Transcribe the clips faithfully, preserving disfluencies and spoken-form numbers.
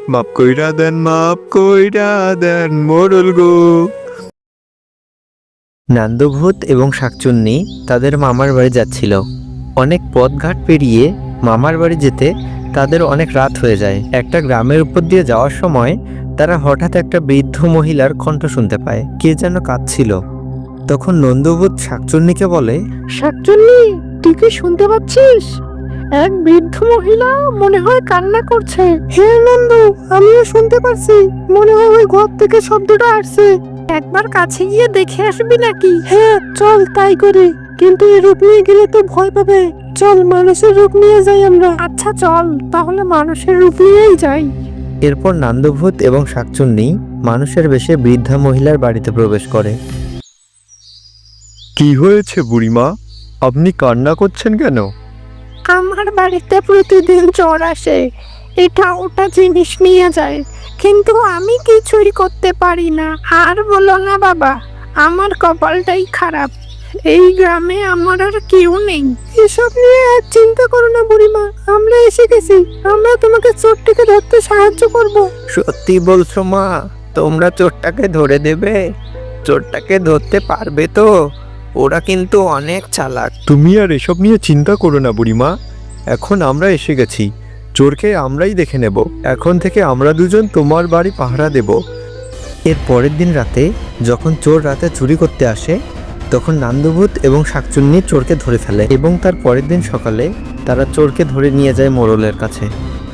মাপ কইরা দেন, মাপ কইরা দেন মোড়ল গো। নান্দভূত এবং শাকচুন্নি তাদের মামার বাড়ি যাচ্ছিল। অনেক পথঘাট পেরিয়ে মামার বাড়ি যেতে তাদের অনেক রাত হয়ে যায়। একটা গ্রামের উপর দিয়ে যাওয়ার সময় তারা হঠাৎ একটা বৃদ্ধ মহিলার কণ্ঠ শুনতে পায়, কে যেন কাঁদছিল। তখন নন্দভূত শাকচুন্নিকে বলে, শাকচুন্নি, তুই কি শুনতে পাচ্ছিস? এক বৃদ্ধ মহিলা মনে হয় কান্না করছে। হ্যাঁ নন্দু, আমিও শুনতে পাচ্ছি। মনে হয় ওই ঘর থেকে শব্দটা আসছে। একবার কাছে গিয়ে দেখে আসবি নাকি? হ্যাঁ চল, তাই করি। কিন্তু এই রূপ নিয়ে গেলে তো ভয় পাবে। চল, মানুষের রূপ নিয়ে যাই আমরা। আচ্ছা চল, তাহলে মানুষের রূপ নিয়েই যাই। এরপর নান্দভূত এবং শাকচুন্নি মানুষের বেশে বৃদ্ধা মহিলার বাড়িতে প্রবেশ করে। কি হয়েছে বুড়িমা, আপনি কান্না করছেন কেন? আমার বাড়িতে প্রতিদিন চোর আসে, এটা ওটা জিনিস নিয়ে যায়, কিন্তু আমি কিছুই করতে পারি না। আর বলো না বাবা, আমার কপালটাই খারাপ। এই গ্রামে আমার আর কেউ নেই। এসব নিয়ে আর চিন্তা করো না বুড়িমা, আমরা এসে গেছি। আমরা তোমাকে চোরটিকে ধরতে সাহায্য করব। সত্যি বলছো মা? তোমরা চোরটাকে ধরে দেবে? চোরটাকে ধরতে পারবে তো? ওরা কিন্তু অনেক চালাক। তুমি আর এসব নিয়ে চিন্তা করো না বুড়িমা, এখন আমরা এসে গেছি। চোরকে আমরাই দেখে নেব। এখন থেকে আমরা দুজন তোমার বাড়ি পাহারা দেব। এর পরের দিন রাতে যখন চোর রাতে চুরি করতে আসে, তখন নান্দভূত এবং শাকচুন্নি চোরকে ধরে ফেলে এবং তার পরের দিন সকালে তারা চোরকে ধরে নিয়ে যায় মোড়লের কাছে।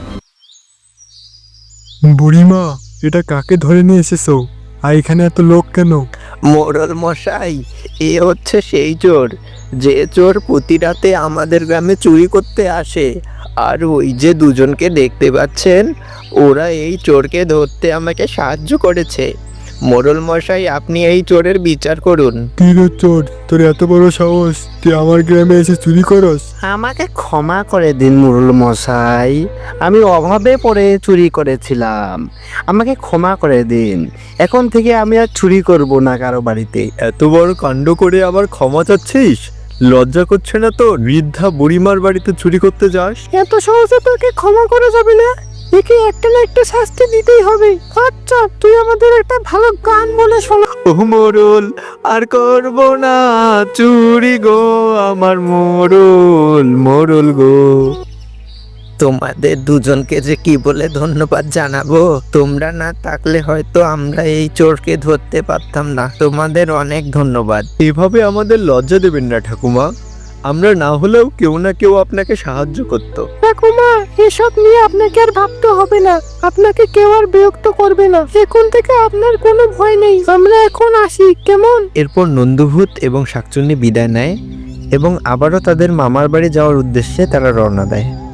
বুড়িমা, এটা কাকে ধরে নিয়ে এসেছো? আর এখানে এত লোক কেন? মোড়ল মশাই, এ হচ্ছে সেই চোর যে চোর প্রতি রাতে আমাদের গ্রামে চুরি করতে আসে। আর ওই যে দুজনকে দেখতে পাচ্ছেন, ওরা এই চোরকে ধরতে আমাকে সাহায্য করেছে। মোড়ল মশাই, আপনি এই চোরের বিচার করুন। কি রে চোর, তোর এত বড় সাহস, তুই আমার গ্রামে এসে চুরি করস? আমাকে ক্ষমা করে দিন মোড়ল মশাই, আমি অভাবে পড়ে চুরি করেছিলাম। আমাকে ক্ষমা করে দিন। এখন থেকে আমি আর চুরি করব না কারো বাড়িতে। এত বড় কাণ্ড করে আবার ক্ষমা চাচ্ছিস? লজ্জা করছে না তো? বৃদ্ধা বুড়িমার বাড়িতে চুরি করতে যাস? এত সহজে তোকে ক্ষমা করা যাবে না। একে একটা না একটা শাস্তি দিতেই হবে। আচ্ছা, তুই আমাদের একটা ভালো গান বলে শোনা। ও মোড়ল, আর করব না চুরি গো, আমার মোড়ল মোড়ল গো। তোমাদের দুজনকে যে কি বলে ধন্যবাদ জানাবো। তোমরা না থাকলে হয়তো আমরা এই চোরকে ধরতে পারতাম না। তোমাদের অনেক ধন্যবাদ। এভাবে আমাদের লজ্জা দেবেন না ঠাকুমা। আমরা না হলেও কেউ না কেউ আপনাকে সাহায্য করত। ঠাকুমা, এসব নিয়ে আপনাকে আর ভাবতে হবে না। আপনাকে কেউ আর বিরক্ত করবে না। এখন থেকে আপনার কোনো ভয় নেই। আমরা এখন আসি, কেমন? এরপর নন্দভূত এবং শাকচুন্নি বিদায় নেয় এবং আবারও তাদের মামার বাড়ি যাওয়ার উদ্দেশ্যে তারা রওনা দেয়।